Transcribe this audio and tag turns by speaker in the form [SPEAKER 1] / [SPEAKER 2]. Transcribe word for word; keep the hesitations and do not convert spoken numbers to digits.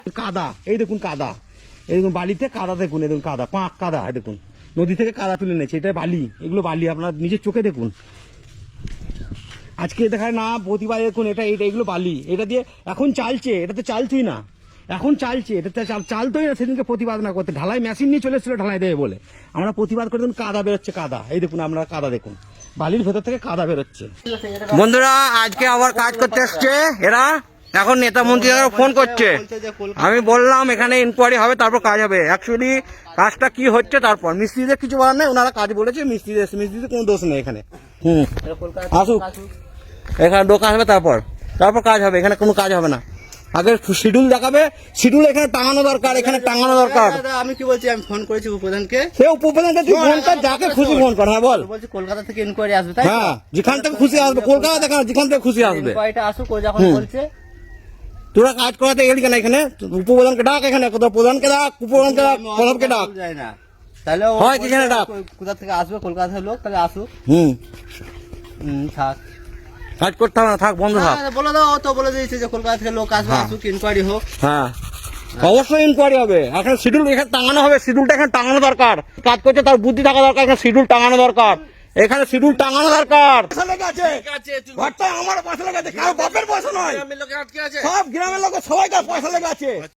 [SPEAKER 1] কাদা, এই দেখুন কাদা, এই দেখুন বালিতে কাদা, দেখুন এই দেখুন কাদা, পাঁক কাদা, এই দেখুন নদী থেকে কাদা তুলে নিয়েছে, এটা বালি, এগুলো বালি, আপনার নিজের চোখে দেখুন। আজকে দেখায় না, প্রতিবার দেখুন এটা এটা এগুলো বালি, এটা দিয়ে এখন চালছে, এটা তো চালছেই না, এখন চালছে, এটা তো চালতোই না। সেদিনকে প্রতিবাদ না করতে ঢালাই মেশিন নিয়ে চলে এসেছিল ঢালাই দেবে বলে, আমরা প্রতিবাদ করে দেখুন কাদা বেরোচ্ছে, কাদা, এই দেখুন আপনারা কাদা দেখুন, বালির ভেতর থেকে কাদা বেরোচ্ছে। বন্ধুরা আজকে আবার কাজ করতে এসছে এরা, এখন নেতা মন্ত্রীরা ফোন করছে, আমি বললাম এখানে ইনকোয়ারি হবে তারপর কাজ হবে। অ্যাকচুয়ালি কাজটা কি হচ্ছে তারপর, মিস্ত্রিদের কিছু বলার নেই, ওনারা কাজ বলেছে, মিস্ত্রিদের মিস্ত্রিদের কোনো দোষ নেই এখানে। হুম আসুক, এখানে দোকান হবে তারপর তারপর কাজ হবে, এখানে কোনো কাজ হবে না। আগে শিডিউল দেখাবে, শিডিউল এখানে টাঙানো দরকার, এখানে টাঙানো দরকার।
[SPEAKER 2] আমি কি বলছি, আমি ফোন করেছি উপপ্রধানকে,
[SPEAKER 1] সে উপপ্রধানকে তুই ফোন কর, যাকে খুশি ফোন কর। হ্যাঁ বল,
[SPEAKER 2] বলছি কলকাতা থেকে ইনকোয়ারি আসবে, তাই
[SPEAKER 1] হ্যাঁ যেখান থেকে খুশি আসবে, কলকাতা দেখা যেখান থেকে খুশি আসবে,
[SPEAKER 2] ইনকোয়ারিটা আসুক। ও যখন বলছে
[SPEAKER 1] তোরা কাজ করাতে গেলি কেন এখানে, উপপ্রধানকে ডাক, এখানে কোথাও প্রধানকে ডাক, উপপ্রধানকে ডাক, প্রধানকে ডাক,
[SPEAKER 2] যায় না তাহলে
[SPEAKER 1] হয় এখানে ডাক,
[SPEAKER 2] কোথা থেকে আসবে, কলকাতা থেকে লোক, তাহলে আসুক।
[SPEAKER 1] হুম
[SPEAKER 2] হুম থাক,
[SPEAKER 1] কাজ করতে হবে না, থাক বন্ধ থাক।
[SPEAKER 2] বলে দাও, তো বলে দিয়েছে যে কলকাতা থেকে লোক আসবে,
[SPEAKER 1] হ্যাঁ।
[SPEAKER 2] আসুক, ইনকোয়ারি হোক।
[SPEAKER 1] হ্যাঁ অবশ্যই ইনকোয়ারি হবে, এখন শিডিউল এখানে টাঙানো হবে, শিডিউলটা এখানে টাঙানো দরকার, কাজ করছে তার বুদ্ধি থাকা দরকার, এখানে শিডিউল টাঙানো দরকার, এখানে শিডিউল টাঙানো দরকার। আমার পয়সা লেগে আছে, কারো বাপের পয়সা নয়, সব গ্রামের লোকের সবাইকার পয়সা লেগে আছে।